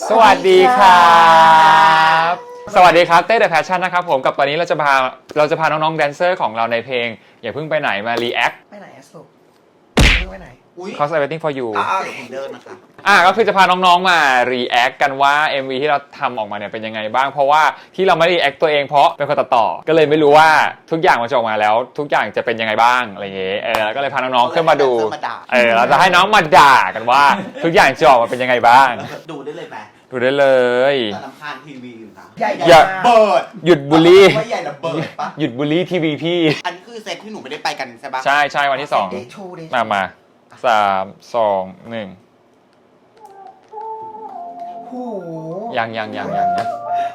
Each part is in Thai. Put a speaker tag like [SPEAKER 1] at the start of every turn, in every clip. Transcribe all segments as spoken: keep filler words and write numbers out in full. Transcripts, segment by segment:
[SPEAKER 1] สวัสดีครับสวัสดีครับเต้ The Passion นะครับผมกับตอนนี้เราจะพาเราจะพาน้องๆแดนเซอร์ของเราในเพลงอย่าเพิ่งไปไหนมารีแอค
[SPEAKER 2] ไปไหนสรุปไปไหน
[SPEAKER 1] Cause I'm waiting for you
[SPEAKER 2] อ่าเดี๋ยวผมเดินนะคะ
[SPEAKER 1] อ่าก็คือจะพาน้องๆมารีแอคกันว่า เอ็ม วี ที่เราทำออกมาเนี่ยเป็นยังไงบ้างเพราะว่าที่เราไม่รีแอคตัวเองเพราะเป็นคนตัดต่อก็เลยไม่รู้ว่าทุกอย่างมันจะออกมาแล้วทุกอย่างจะเป็นยังไงบ้างอะไรอย่างเงี้ยเออก็เลยพาน้องๆขึ้นมาดูเออเราจะให้น้องมาด่ากันว่าทุกอย่างจะออกมาเป็นยังไงบ้าง
[SPEAKER 2] ดูได้เลยไหม
[SPEAKER 1] ดูได้เลย
[SPEAKER 2] แต่ลำคาญทีวีอยู่นะ
[SPEAKER 1] อย่า
[SPEAKER 2] เบิร์ด
[SPEAKER 1] หยุดบูลลี่
[SPEAKER 2] ว่าใหญ่ระเบิดปะ
[SPEAKER 1] หยุดบูลลี่ทีวีพี่
[SPEAKER 2] อันนี้คือเซตที่หนูไม่ได้ไปกันใช่ปะ
[SPEAKER 1] ใช่ใช่วันที่สองมามาสามสองหนึ่ง
[SPEAKER 2] โอ้โห
[SPEAKER 1] ยังยังยังยังยัง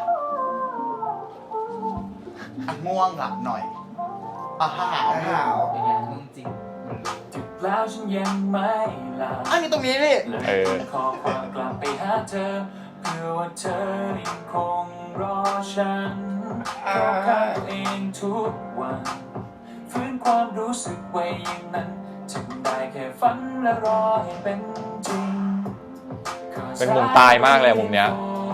[SPEAKER 2] ง่วงหลับหน่อยอ่ะห่าวห่าว
[SPEAKER 3] เป็นไงมึงจริงจุดแล้วฉันยังไม่หลับ
[SPEAKER 2] อันนี้ตรงนี้นี่
[SPEAKER 1] เออ
[SPEAKER 3] ขอความกลับไปหาเธอเพื่อว่าเธอยังคงรอฉันขอข้าตัวเองทุกวันฟื้นความรู้สึกไว้อย่างนั้นจึงได้แค่ฝันและรอให้เป็นจริง
[SPEAKER 1] เป็นมุมตายมากเลยมุมเนี้ย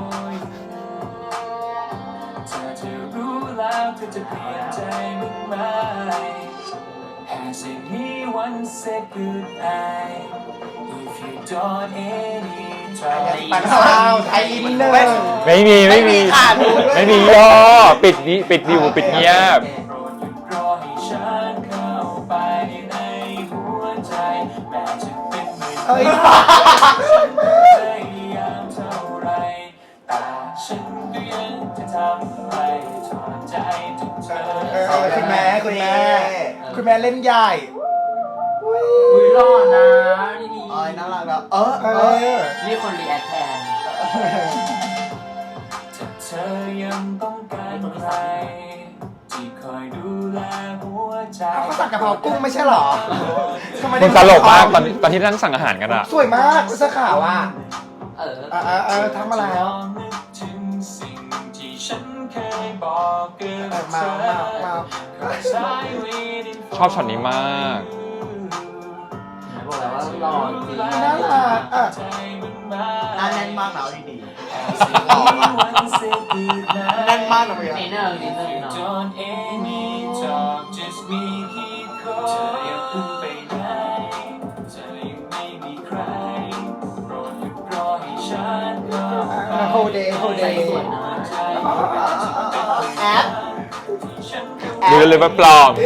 [SPEAKER 3] เธอจะรู้แล้วเธอจะเปลี่ยนใจมึงไหม Has anyone said goodbye if you don't anytime
[SPEAKER 2] ปันข้าวไทยอินเนอร์
[SPEAKER 1] ไม่มีไม่มีไม่มีย่อปิดนี้ปิดดิวปิดเงียบ
[SPEAKER 3] รอให้ฉันเข้าไปในหัวใจแม้จะเป็นหมื่นครั้งพยายามเท่าไรแต่ฉันก็ยังจะทำให้ถอดใจทุกเธอ
[SPEAKER 2] คุณแม่คุณแม่คุณแม่เล่นใหญ่
[SPEAKER 3] อุ้ยรอดนะดี
[SPEAKER 2] ๆอ๋อน่ารักแล้วเออเออ
[SPEAKER 3] นี่คนรีแอคแทนถ้าเธอยังต้องการใครที่คอยดูแลหัวใจ
[SPEAKER 2] เขาสั่งกะเพรากุ้งไม่ใช่หรอ
[SPEAKER 1] มันตลกมากตอนตอนที่นั่งสั่งอาหารกันอะ
[SPEAKER 2] สวยมากเสื้อขาวอ่ะ
[SPEAKER 3] เออ
[SPEAKER 2] เออเออทำอะไรมามา
[SPEAKER 1] ชอบช็อตนี้มาก
[SPEAKER 3] บอกแล้วว่ารอจริง
[SPEAKER 2] น่ารักอ่ะน่าแน่นมากนะดีๆแน่นมากนะพี่
[SPEAKER 3] นิดนึงนิดนึงเนาะ
[SPEAKER 2] โฮเดย์โฮเดย์แอป
[SPEAKER 1] ดูเลยว่าปลอม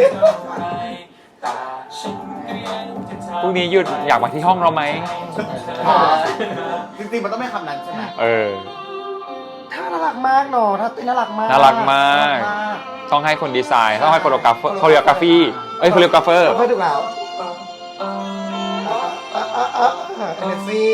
[SPEAKER 1] พรุ่งนี้หยุดอยากมาที่ห้องเราไหม
[SPEAKER 2] จริงๆมันต้องไม่คำนั้นใช่ไหม
[SPEAKER 1] เออ
[SPEAKER 2] ถ้าน่ารักมากเนาะถ้าน่ารักมาก
[SPEAKER 1] น่ารักมากต้องให้คนดีไซน์ต้องให้โคโรกราฟโคโรกราฟีเอ้ยโคโรกราฟเฟอร์
[SPEAKER 2] เพื่อถูกแล้วเอเนซี่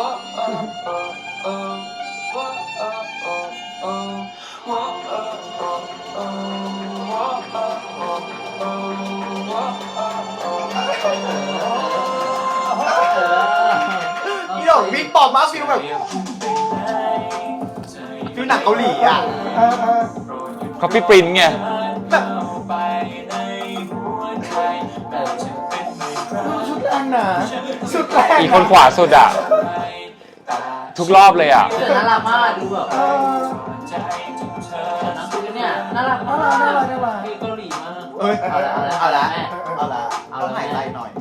[SPEAKER 2] นี่ดอกวิ่งปอบมากฟิลแบบฟิลหนังเกาหลีอ่ะ
[SPEAKER 1] เขาพี่ปรินไง
[SPEAKER 2] ชุดแรงนะชุดแรง
[SPEAKER 1] อีกคนขวาสุดอ่ะทุกรอบเลยอ่ะ
[SPEAKER 3] น่ารักมากดูแบบนักคือเนี่ยน่ารักมากน่ารักน่ารักเกาหลีมาก
[SPEAKER 2] เอ้ยเอาละเอาละเอาละเอาละหายใจหน่อย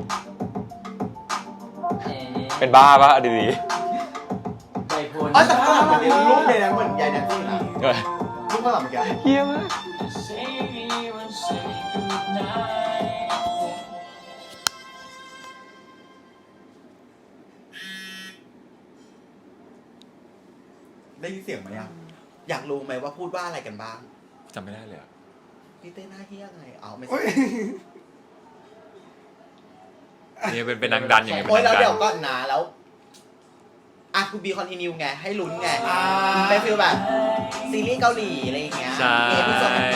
[SPEAKER 1] เป็นบ้าปะดี
[SPEAKER 3] ๆไปพูด
[SPEAKER 2] อ๋อแต่ข้างหลังเหมือนรูปเลยนะเหมือนยายแนนซี่นะรูปข้างหลังเมื่อกี้
[SPEAKER 1] เฮี้ยมาก
[SPEAKER 2] ได้ยินเสียงไหมอ่ะอยากรู้ไหมว่าพูดว่าอะไรกันบ้าง
[SPEAKER 1] จำไม่ได้เลยอ่ะ
[SPEAKER 2] พี่เต้หน้าเฮี้ยไงเอาไม่ใช่
[SPEAKER 1] นี่เป็นเป็นนางดันอย่างเงี้ย
[SPEAKER 2] โอ้ยแล้วเดี๋ยวก็หนาแล้วอ่ะคูบีคอนติเนียไงให้ลุ้นไงเป็นฟีลแบบซีรีส์เกาหลีอะไรอย่างเงี้ย
[SPEAKER 1] ใช่
[SPEAKER 2] พี่สอนไป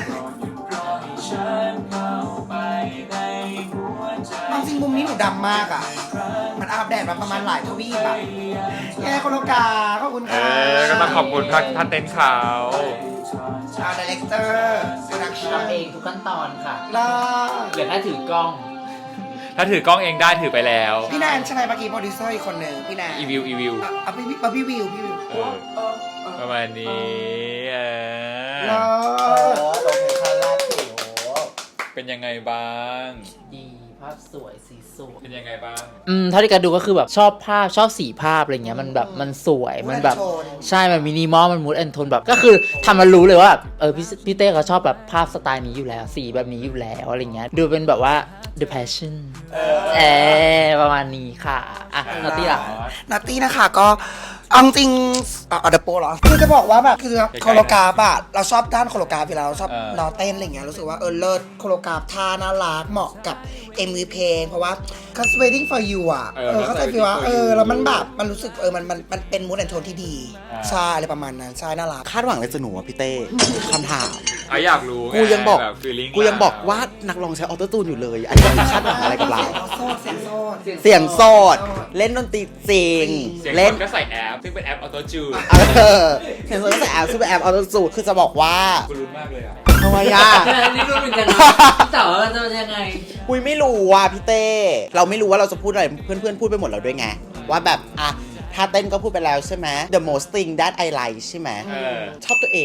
[SPEAKER 2] จริงมุมนี้หนูดำมากอ่ะมันอาบแดดมาประมาณหลายทวีปอ่ะแย่คนโลกาขอบคุณค่ะ
[SPEAKER 1] เออก็ต้องขอบคุณท่านเต้นเขา
[SPEAKER 2] ชาวดีเรคเตอร์โปรดักชั่น
[SPEAKER 3] ทำเองทุกขั้นตอนค่ะ
[SPEAKER 2] ล่า
[SPEAKER 3] เหลือแค่ถือกล้อง
[SPEAKER 1] ถ้าถือกล้องเองได้ถือไปแล้ว
[SPEAKER 4] พี่แนนใช่ไหมเมื่อกี้โปรดิวเซอร์อีกคนหนึ่งพี่แนน
[SPEAKER 1] อีวิวอีวิว
[SPEAKER 4] อ่ะเอาพี่เอาพี่วิวพี่วิว
[SPEAKER 1] เออประมาณนี้เอ
[SPEAKER 4] เลิ
[SPEAKER 1] อ
[SPEAKER 2] เอ
[SPEAKER 4] ศ
[SPEAKER 2] อโลเคชั่นแรกสิโอ้
[SPEAKER 1] เป็นยังไงบ้าง
[SPEAKER 5] ดีภาพสวยสีสวย
[SPEAKER 1] เป็นยังไงบ้าง
[SPEAKER 5] อืมเท่าที่การดูก็คือแบบชอบภาพชอบสีภาพอะไรเงี้ยมันแบบมันสวยมันแบบ
[SPEAKER 4] โทน
[SPEAKER 5] ใช่มันมินิมอลมันมูดแอนโทนแบบก็คือทำมารู้เลยว่าแบบเออพี่พี่เต้เขาชอบแบบภาพสไตล์นี้อยู่แล้ว สีแบบนี้อยู่แล้วอะไรเงี้ยดูเป็นแบบว่า the passion เออประมาณนี้ค่ะอ่ะนาตี้ล่ะ
[SPEAKER 4] นัตตี้นะคะก็เอาจริงอ่ะเอาเดโปเหรอคือจะบอกว่าแบบคือโคโลกราฟอะเราชอบด้านโคโลกราฟอยู่แล้วเราชอบ
[SPEAKER 1] เออ
[SPEAKER 4] นอเต้นอะไรเงี้ยรู้สึกว่าเออเลิศโคโลกราฟท่าน่ารักเหมาะกับ เอ็ม วี เพลงเพราะว่า cause waiting for you อะ
[SPEAKER 1] เออ
[SPEAKER 4] เออเข้าใจฟีลว่า
[SPEAKER 1] Waiting for
[SPEAKER 4] เอ
[SPEAKER 1] You
[SPEAKER 4] อแล้วมันแบบมันรู้สึกเออมันมันมันเป็นมูดแอนโทนที่ดี
[SPEAKER 1] อ่า
[SPEAKER 4] ใช่อะไรประมาณนั้นใช่น่ารัก
[SPEAKER 6] คาดหวังอะไรจากหนูอะพี่เต้ คำถาม
[SPEAKER 1] อ่ะอยากรู้ไ
[SPEAKER 6] กูยังบอก
[SPEAKER 1] แบบ feeling
[SPEAKER 6] กูยังบอกว่านักร้องใช้ออโต้ตูนอยู่เลย อันนี้คาดหวังอะไรกับเรา
[SPEAKER 4] โซดเสียงโซด
[SPEAKER 6] เสียงโสด เล่นดนตรีจริง
[SPEAKER 1] เสียง
[SPEAKER 6] เล่น
[SPEAKER 1] คนก็ใส่แอปซึ่งเป็นแอปออโต้จูน
[SPEAKER 6] เออเสียงโสดตั้งแต่แอปซูเปอร์แอปออโต้ตูนคือจะบอกว่า
[SPEAKER 1] กูลุ้นมากเลยอ่ะ
[SPEAKER 6] ทำไมอะ
[SPEAKER 5] นี่รู้เหมือนกันนะพี่เต๋อจะเป็นยังไง
[SPEAKER 6] คุยไม่รู้ว่ะพี่เต้ เราไม่รู้ว่าเราจะพูดอะไรเพื่อนๆพูดไปหมดแล้วด้วยไง ว่าแบบอ่ะถ้าเต้นก็พูดไปแล้วใช่ไหม The most thing that I like ใช่ไหม
[SPEAKER 1] เออ
[SPEAKER 6] ชอบตัวเอง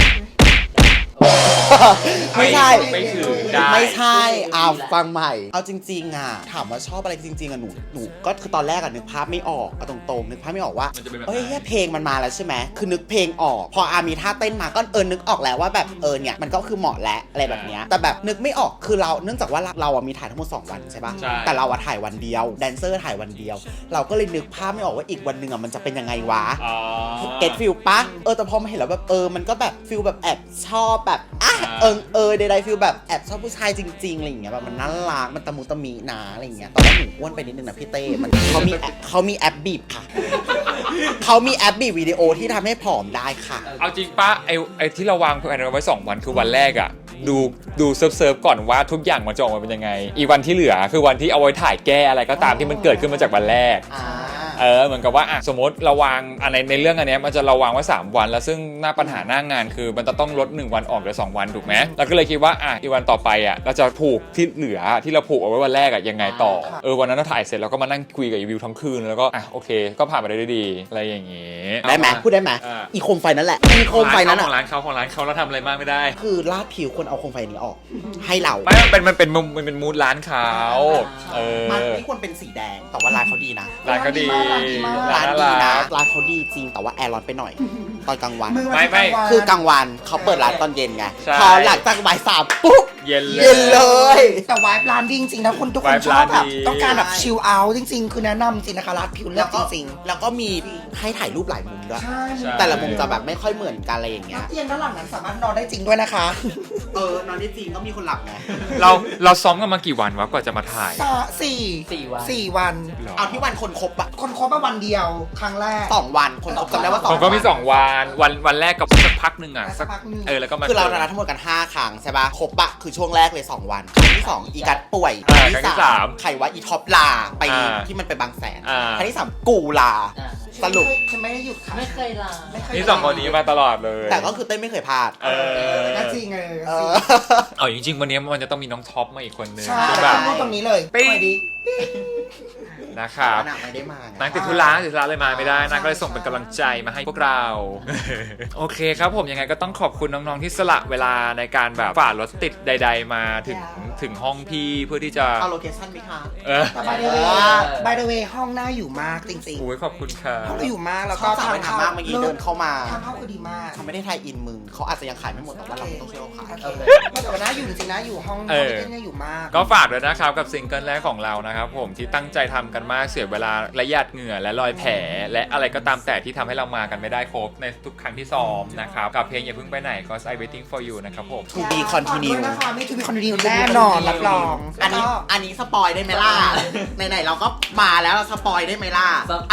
[SPEAKER 6] ไม่ใช่
[SPEAKER 1] ไม่ถือได้
[SPEAKER 6] ไม่ใช่อ้าวฟังใหม่ เอาจริงๆอ่ะ ถามว่าชอบอะไรจริงๆอ่ะหนู หนูก็คือตอนแรกอ่ะนึกภาพไม่ออกเอาตรงๆ นึกภาพไม่ออกว่า
[SPEAKER 1] มันจะเป็นแบบไหน
[SPEAKER 6] เอ้ยเหี้ยเพลงมันมาแล้วใช่ไหม คือนึกเพลงออก พออามีท่าเต้นมาก็เออนึกออกแล้วว่าแบบเออเนี่ยมันก็คือเหมาะแล้วอะไรแบบเนี้ยแต่แบบนึกไม่ออก คือเรา เนื่องจากว่าเราเราอ่ะมีถ่ายทั้งหมดสองวันใช่ปะ
[SPEAKER 1] ใช่
[SPEAKER 6] แต่เราอ่ะถ่ายวันเดียว แดนเซอร์ถ่ายวันเดียว เราก็เลยนึกภาพไม่ออกว่าอีกวันหนึ่งอ่ะมันจะเป็นยังไงวะ
[SPEAKER 1] อ๋อ
[SPEAKER 6] เก็ตฟิลปะเออแต่พอมาเห็นแล้วแบบเออมันก็แบบฟิลแบบแอบชอบแบบอ่ะ
[SPEAKER 1] อ่า
[SPEAKER 6] เออเออใดๆฟิลแบบแอบชอบผู้ชายจริงๆอะไรอย่างเงี้ยแบบมันน่ารักมันตะมุตะมีนะอะไรอย่างเงี้ยตอนแรกหนูอ้วนไปนิดนึงนะพี่เต้มันเขามีแอปเขามีแอปบีบค่ะ เขามีแอปบีบวิดีโอที่ทำให้ผอมได้ค่ะ
[SPEAKER 1] เอาจริงป้าไอไอที่เราวางแผนไว้สองวันคือวันแรกอ่ะ ดูดูเซิร์ฟเซิร์ฟก่อนว่าทุกอย่างมันจะออกมาเป็นยังไง อีกวันที่เหลือคือวันที่เอาไว้ถ่ายแก้อะไรก็ตามที่มันเกิดขึ้นมาจากวันแรก
[SPEAKER 6] อ่า
[SPEAKER 1] เออเหมือนกับว่าอ่ะสมมติเราวางอันในในเรื่องอันเนี้ยมันจะเราวางไว้สามวัน แล้วซึ่งหน้าปัญหาหน้างานคือมันจะต้องลดหนึ่งวันออกเหลือสองวันถูกไหมเราก็เลยคิดว่าอ่ะอีกวันต่อไปอ่ะเราจะผูกที่เหลือที่เราผูกเอาไว้วันแรกอ่ะยังไงต่อเออวันนั้นเราถ่ายเสร็จเราก็มานั่งคุยกับอีวิวทั้งคืนแล้วก็อ่ะโอเค ก็ผ่านไปได้ด้วยดีอะไรอย่างงี้
[SPEAKER 6] ได้ไหมพูดได้ไหม
[SPEAKER 1] อ่า
[SPEAKER 6] อีโคมไฟนั่นแหละอีโคมไฟนั้น
[SPEAKER 1] ข
[SPEAKER 6] อ่ะ
[SPEAKER 1] องร้านเขาของร้านเขาเราทำอะไรมากไม่ได้
[SPEAKER 6] คือลาดผิวคนเอาโคมไฟนี้ออก ให้เรา
[SPEAKER 1] ไม่มันเป็นมันเป็นมุมมันเป็นมูดร้านเขาเออ
[SPEAKER 6] มันไม่ควรเป็นสีแดงแต่ว่าร้านเขาดีนะ
[SPEAKER 1] ร้านก็ดี
[SPEAKER 4] ร้านดีมาก
[SPEAKER 6] ร้าน
[SPEAKER 1] น่า
[SPEAKER 6] ดี
[SPEAKER 1] รั
[SPEAKER 6] นะ
[SPEAKER 1] ก
[SPEAKER 6] ร้านเขาดีจริงแต่ว่าแอร์ร้อนไปหน่อย ตอนกลางวัน
[SPEAKER 4] มึง
[SPEAKER 1] ไม่ไม่
[SPEAKER 6] คือกลางวันเขาเปิดร้านตอนเย็นไง
[SPEAKER 1] ใช่
[SPEAKER 6] พอหลังจากบ่ายสามปุ๊บ
[SPEAKER 1] เย็นเลย
[SPEAKER 6] เย็นเลย
[SPEAKER 4] แต่วายร้านดีจริงๆนะคุณทุกคน
[SPEAKER 1] Vibe
[SPEAKER 4] ชอบแบบ
[SPEAKER 1] ร้านดี
[SPEAKER 4] ต้องการแบบชิลเอาท์จริงๆ คือแนะนำจริงนะคะร้านผิวเลื
[SPEAKER 6] แล้
[SPEAKER 4] อ
[SPEAKER 6] ว
[SPEAKER 4] ก
[SPEAKER 6] ก็
[SPEAKER 4] จริง
[SPEAKER 6] แล้วก็มีให้ถ่ายรูปหลายมุมด้วย
[SPEAKER 4] ๆใช่
[SPEAKER 1] ใช่
[SPEAKER 6] แต่ละมุมจะแบบไม่ค่อยเหมือนกันอะไรอย่างเงี้ย
[SPEAKER 4] เตียงด้านหลังนั้นสามารถนอนได้จริงด้วยนะคะ
[SPEAKER 6] เออนอนได้จริงก็มีคนหลับไง
[SPEAKER 1] เราเราซ้อมกันมากี่วันวะกว่าจะมาถ่าย
[SPEAKER 4] สะสี่
[SPEAKER 5] สี่วัน
[SPEAKER 4] สี่วัน
[SPEAKER 1] หรอ
[SPEAKER 6] เอาที่วันคนครบอะ
[SPEAKER 4] คนคบมาวันเดียวครั้งแรก
[SPEAKER 6] สองวันคนครบจำได้ว่าสอง
[SPEAKER 1] ผมก็มี
[SPEAKER 6] วัน
[SPEAKER 1] สองวันวันวันแรกกับสักพักหนึ่งอ่ะ
[SPEAKER 4] สักพักหนึ่ง
[SPEAKER 1] เออแล้วก็มา
[SPEAKER 6] คือเรานัดทั้งหมดกันห้าครั้งใช่ปะครบอะคือช่วงแรกเลยสองวันครั้งที่สองอีกัดป่วย
[SPEAKER 1] อ่าครั้งที่สาม
[SPEAKER 6] ใครว่าอีท็อปลาไป
[SPEAKER 1] อ่า
[SPEAKER 6] ที่มันไปบางแสน
[SPEAKER 1] อ่า
[SPEAKER 6] ครั้งที่สามกูลา
[SPEAKER 5] อ่ะ
[SPEAKER 6] สรุป
[SPEAKER 4] ฉันไม่ได้หยุดค่ะ
[SPEAKER 5] ไม่เคยลา
[SPEAKER 4] ไม่เคย
[SPEAKER 1] นี่สองคนนี้มาตลอดเลย
[SPEAKER 6] แต่ก็คือเต้นไม่เคยพลาด
[SPEAKER 1] เออ
[SPEAKER 4] ก็จริงเลย
[SPEAKER 6] เอ
[SPEAKER 4] จริง
[SPEAKER 6] อ
[SPEAKER 1] เอาจริงๆวันนี้มันจะต้องมีน้องท็อปมาอีกคนนึง
[SPEAKER 4] ใช่
[SPEAKER 1] คือแบบ
[SPEAKER 4] พูดตรงนี้เลย
[SPEAKER 1] ปิ๊ง
[SPEAKER 4] ไปดิ
[SPEAKER 1] นะครับ
[SPEAKER 6] หนักไม่ได้มาไง
[SPEAKER 1] นางติดธุระติดธุระเลยมาไม่ได้นางก็เลยส่งเป็นกำลังใจมาให้พวกเรา โอเคครับผมยังไงก็ต้องขอบคุณน้องๆที่สละเวลาในการแบบฝ่ารถติดใด ๆ มาถึงถึงห้องพี่เพื่อที่จะ
[SPEAKER 6] เอาโลเคชั่นไหมคะ
[SPEAKER 1] เออ
[SPEAKER 4] แต่ by the way by the way ห้องน่าอยู่มากจริง
[SPEAKER 1] โอ้ยขอบคุณค่ะ
[SPEAKER 4] ๆห้องน่าอยู่มากแล้ว
[SPEAKER 6] ช
[SPEAKER 4] ก็
[SPEAKER 6] อบสั่งไปทำมากเมื่อกี้เดินเข้ามา
[SPEAKER 4] ทางเข้าคือดีมาก
[SPEAKER 6] เขาไม่ได้ไทยอินมึงเขาอาจจะยังขายไม่หมดแต่ว่าเราต้องช่วยเขาขาย
[SPEAKER 4] โอเคแต่ว่าน่าอยู่จริงๆนะอยู่ห้อง
[SPEAKER 1] เอ
[SPEAKER 4] ห้อง
[SPEAKER 1] อ
[SPEAKER 4] ที่น่าอยู่มาก
[SPEAKER 1] ก็ฝากด้วยนะครับกับซิงเกิลแรกของเรานะครับผมที่ตั้งใจทำกันมากเสียเวลาและหยาดเหงื่อและรอยแผลและอะไรก็ตามแต่ที่ทำให้เรามากันไม่ได้ครบในทุกครั้งที่ซ้อมนะครับกับเพลงอย่าเพิ่งไปไหน cause I waiting for you นะครับผม
[SPEAKER 6] To be continue
[SPEAKER 4] นะคะไม่ To be continue แน่นอนรับรอง
[SPEAKER 6] อันนี้
[SPEAKER 4] แล้วก็
[SPEAKER 6] อันนี้สปอยได้ไหมล่ะ ไหนๆเราก็มาแล้วเราสปอยได้ไหมล่ะ อ่ะ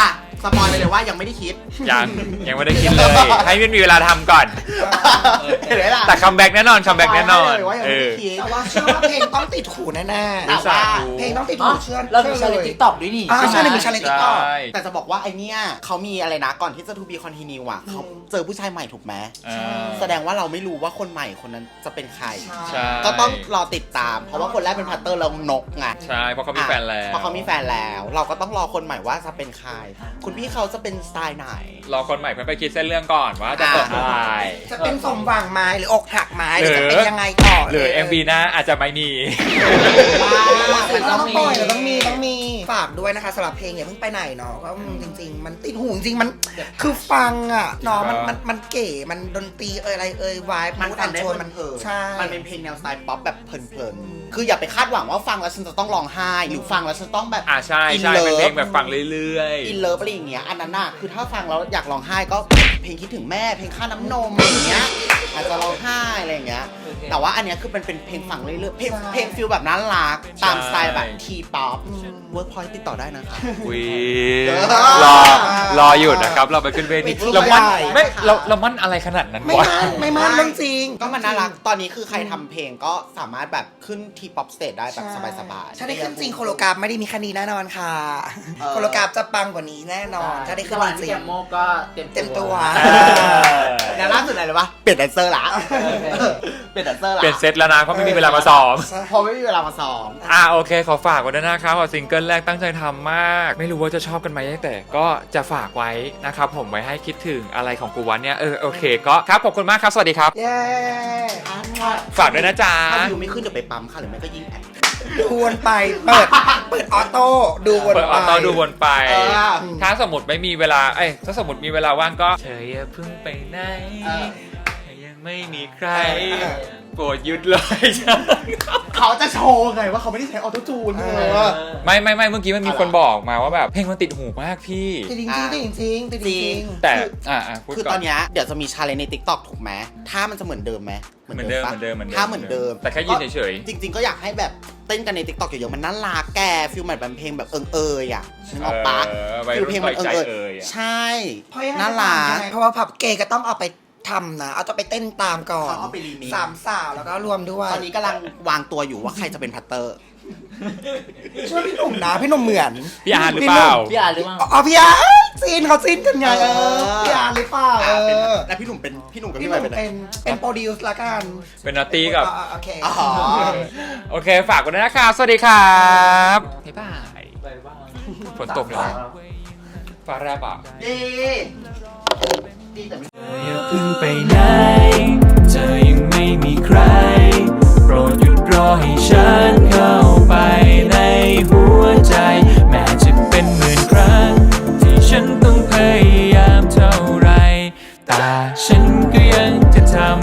[SPEAKER 6] สปอยไปเลยว่ายังไม่ได้คิด
[SPEAKER 1] ยังยังไม่ได้คิดเลย ให้มันมีเวลาทำก่อน
[SPEAKER 6] เห็นไหมล่ะ
[SPEAKER 1] แต่คัมแบ็กแน่นอนคัมแบ็กแน่นอน
[SPEAKER 6] สปยไว้เลยว่ายัง
[SPEAKER 1] เอ
[SPEAKER 6] ไม่
[SPEAKER 1] อ
[SPEAKER 6] ได้คิด
[SPEAKER 4] แต่ว่าเชื่อว่าเพลงต้องติดหูแน่
[SPEAKER 6] แต่ว่า
[SPEAKER 4] ๆเพลงต้องติด
[SPEAKER 5] อ๋
[SPEAKER 4] หู
[SPEAKER 5] อ
[SPEAKER 4] เชื่อ
[SPEAKER 5] เรามี
[SPEAKER 4] เชื่
[SPEAKER 5] ชา
[SPEAKER 4] อ
[SPEAKER 5] เล
[SPEAKER 4] เล
[SPEAKER 5] น
[SPEAKER 4] ย
[SPEAKER 5] ติ๊กต็อกด้วยนี่
[SPEAKER 4] อ่า
[SPEAKER 5] ใช่ไหม
[SPEAKER 4] ใช่มีชาเลนติ๊กต็อก
[SPEAKER 1] ใช่
[SPEAKER 6] แต่จะบอกว่าไอเนี้ยเขามีอะไรนะก่อนที่จะ to be continue อ่ะเขาเจอผู้ชายใหม่ถูกไหม
[SPEAKER 1] อ่า
[SPEAKER 6] แสดงว่าเราไม่รู้ว่าคนใหม่คนนั้นจะเป็นใคร
[SPEAKER 1] ใช่
[SPEAKER 6] ก็ต้องรอติดตาม เพราะว่าคนแรกเป็นพัตเตอร์แล้วนกไง
[SPEAKER 1] ใช่เพราะเขามีแฟนแล้ว
[SPEAKER 6] เพราะเขามีแฟนแล้ว เราก็ต้องรอคนใหม่ว่าจะเป็นใคร คุณพี่เขาจะเป็นสไตล์ไหน
[SPEAKER 1] รอคนใหม่เพื่อไปคิดเส้นเรื่องก่อนว่าจะเปิดอะไร
[SPEAKER 4] จะเป็นสมหวังไหม้หรืออกหักไหม้ห
[SPEAKER 1] หรื
[SPEAKER 4] รือ
[SPEAKER 1] อ
[SPEAKER 4] จะเป็นยังไงต่อ
[SPEAKER 1] หรือ เอ็ม วี หน้าอาจจะไม่มี
[SPEAKER 4] มันต้องปล่อยต้องมีต้องมีฝากด้วยนะคะสำหรับเพลงอย่าเพิ่งไปไหนเนาะเพราะมันจริง ๆ มันติดหูจริงๆมันคือฟังอ่ะเนาะมันมันมันเก๋มันดนตรีเอ่ยอะไรเอ่ยวาย
[SPEAKER 6] มัน
[SPEAKER 4] มูด
[SPEAKER 6] ฟั
[SPEAKER 4] แอง น
[SPEAKER 6] ได้
[SPEAKER 4] โช
[SPEAKER 6] เพ
[SPEAKER 4] นมัน
[SPEAKER 6] ลิน
[SPEAKER 4] ใช่
[SPEAKER 6] ๆมันเป็นเพลงแนวสไตล์ป๊อปแบบเพลินๆ คืออย่าไปคาดหวังว่าฟังแล้วฉันจะต้องร้องไห้ หรือฟังแล้วฉันต้องแบบ
[SPEAKER 1] อ่าใช่ใช่
[SPEAKER 6] In love
[SPEAKER 1] เป็นเพลงแบบฟังเรื่อย
[SPEAKER 6] อินเลิฟอะไรอย่างเงี้ย อันนั้นน่ะ คือถ้าฟังแล้วอยากร้องไห้ก็เพลงคิดถึงแม่ เพลงค่าน้ำนมอะไรอย่างเงี้ย อาจจะร้องไห้อะไรอย่างเงี้ย แต่ว่าอันเนี้ยคือเป็นเป็นเพลงฟังเรื่อยๆ เพลงเพลงฟิลแบบน่ารัก ตามสไตล์แบบทีป๊อปเวิร์กพอยต์ติดต่อได้นะคะ
[SPEAKER 1] ๆวิ
[SPEAKER 6] เออ
[SPEAKER 1] รอรออยู่นะครับ เราไปขึ้นเวที
[SPEAKER 4] เวที
[SPEAKER 1] เรามั่น
[SPEAKER 4] ใหญ่
[SPEAKER 1] ไม่เราเรามั่นอะไรขนาดนั้น
[SPEAKER 4] ไม่
[SPEAKER 1] วะ
[SPEAKER 4] มั่นไม่มั่นเรื่องจริง
[SPEAKER 6] ก็มันน่ารัก ตอนนี้คือใครทำเพลงก็สามารถแบบขึ้นทีป๊อปสเตจได้แบบสบายๆ
[SPEAKER 4] ถ้าได้ขึ้นจริงโคโลกราฟไม่ได้มีแค่นี้แน่นอนค่ะ
[SPEAKER 6] เออ
[SPEAKER 4] โคโลกราฟจะปังกว่านี้แน่นอน ถ้าได้ขึ้น
[SPEAKER 5] วัน
[SPEAKER 4] จ
[SPEAKER 5] ที่
[SPEAKER 4] ริ
[SPEAKER 5] แก
[SPEAKER 4] ง
[SPEAKER 5] มโมก็เต็ม
[SPEAKER 4] เต็มตัว
[SPEAKER 6] แล้วล่าสุดอะไรเลยวะเปลี่ยนแดนเซอร์ละเปลี่ยนแดนเซอร์ละ
[SPEAKER 1] เปลี่ยนเซตแล้วนะเพราะไม่มีเวลามาซ้อม
[SPEAKER 6] พอไม่มีเวลามาซ้อม
[SPEAKER 1] อ่าโอเค ขอฝากไว้ด้วยนะครับว่าซิงเกิลแรกตั้งใจทำมาก ไม่รู้ว่าจะชอบกันไหมแต่ก็จะฝากไว้นะครับผมไว้ให้คิดถึงอะไรของกูวันเนี่ยเออโอเคก็ครับขอบคุณมากครับ สวัสดีครับ
[SPEAKER 4] เย้
[SPEAKER 1] ฝากด้วยนะจ๊ะ
[SPEAKER 6] ถ้าวิวไม่ขึ้นเดี๋ยวไปปั๊มค่ะหรือไม่ก็ยิงแอด
[SPEAKER 4] ดูวนไป เปิด เปิดออโต้ดูวน
[SPEAKER 1] เปิด
[SPEAKER 4] ไป
[SPEAKER 1] ออโต้ดูวนไป
[SPEAKER 6] เออ
[SPEAKER 1] ถ้าสมมติไม่มีเวลา เอ้ย ถ้าสมมติมีเวลาว่างก็เธออย่าเพิ่งไปไหน
[SPEAKER 6] เออ
[SPEAKER 1] ยังไม่มีใคร
[SPEAKER 4] เออ
[SPEAKER 1] โปรดหยุดเลยจ้ะ
[SPEAKER 6] เขาจะโชว์ไงว่าเขาไม่ได้ใช้ออโต้จูนเออ
[SPEAKER 1] ไม่ไม่ไม่เมื่อกี้มันมีคนบอกมาว่าแบบเพลงมันติดหูมากพี่
[SPEAKER 4] ติดจริงๆติดจริงๆติดจริงๆ
[SPEAKER 1] แต่ อ่าอ่าพูด
[SPEAKER 6] คือ
[SPEAKER 1] ก่
[SPEAKER 6] ต
[SPEAKER 1] อ
[SPEAKER 6] อน นเนี้ยเดี๋ยวจะมีชาเลนจ์ใน TikTok ถูกไหมถ้ามันจะเหมือนเดิมไหม
[SPEAKER 1] เหมือนเดิม
[SPEAKER 6] ปะ
[SPEAKER 1] เหมือนเดิมเหมือนเดิม
[SPEAKER 6] ถ้าเหมือนเดิม
[SPEAKER 1] แต่แค่ยืนเฉยๆ
[SPEAKER 6] จริง ๆ ก็อยากให้แบบเต้นกันใน TikTok เยอะๆมันน่ารักแกฟิลเหมือนเป็นเพลงแบบเอิงเอยอ่ะนึกออกปะ
[SPEAKER 1] เออวัย
[SPEAKER 6] ฟิล
[SPEAKER 1] รุ่น
[SPEAKER 6] เพลงมันเอิง
[SPEAKER 1] ปล่
[SPEAKER 6] เอ
[SPEAKER 1] อย
[SPEAKER 6] ย
[SPEAKER 1] ใจเอ่ยอะ
[SPEAKER 6] ใช่
[SPEAKER 4] เพราะยังไง
[SPEAKER 6] น่า
[SPEAKER 4] ก็
[SPEAKER 6] รั
[SPEAKER 4] ตาม
[SPEAKER 6] ก
[SPEAKER 4] ยังไงเพราะว่าผับเกย์ก็ต้องเอาไปทำนะ เอาจะไปเต้นตามก่อน
[SPEAKER 6] เขาเอาไปรีมิกซ์
[SPEAKER 4] สามสาวแล้วก็รวมด้วย
[SPEAKER 6] ตอนนี้กำลังวางตัวอยู่ว่าใครจะเป็นพัตเตอร์
[SPEAKER 4] ช่วยพี่หนุ่มนะ พี่หนุ่มเหมือน
[SPEAKER 1] พี่อาร์ตหรือเปล่า
[SPEAKER 5] พี่อ่านหรือเปล่า
[SPEAKER 4] อ๋อพี่อาร์ตซีนเขาซีนกันไงเออพี่อาร์ตหรือเปล่าเอ
[SPEAKER 6] อ่าเป็น
[SPEAKER 4] อ
[SPEAKER 6] แล้วพี่หนุ่มเป็นพี่หนุ่มกับ
[SPEAKER 4] พี่
[SPEAKER 6] พี่
[SPEAKER 4] ห
[SPEAKER 6] ใหม่
[SPEAKER 4] นุ่ม
[SPEAKER 6] เป็นอะไร
[SPEAKER 4] เป็นเป็นโปรดิวซ์ละกัน
[SPEAKER 1] เป็นนาตี้กับ
[SPEAKER 4] อ่าโอเค
[SPEAKER 6] อ๋อ
[SPEAKER 1] โอเค ฝากกันด้วยนะครับ สวัสดีครับบ๊ายบายฝนตกแล้วฟ้าแรบอ่ะ
[SPEAKER 6] ดีดีแต่ไม่
[SPEAKER 3] อย่าเพิ่งไปไหน เธอยังไม่มีใคร โปรดหยุดรอให้ฉันเข้าไปในหัวใจ แม้จะเป็นหมื่นครั้ง ที่ฉันต้องพยายามเท่าไร แต่ฉันก็ยังจะทำ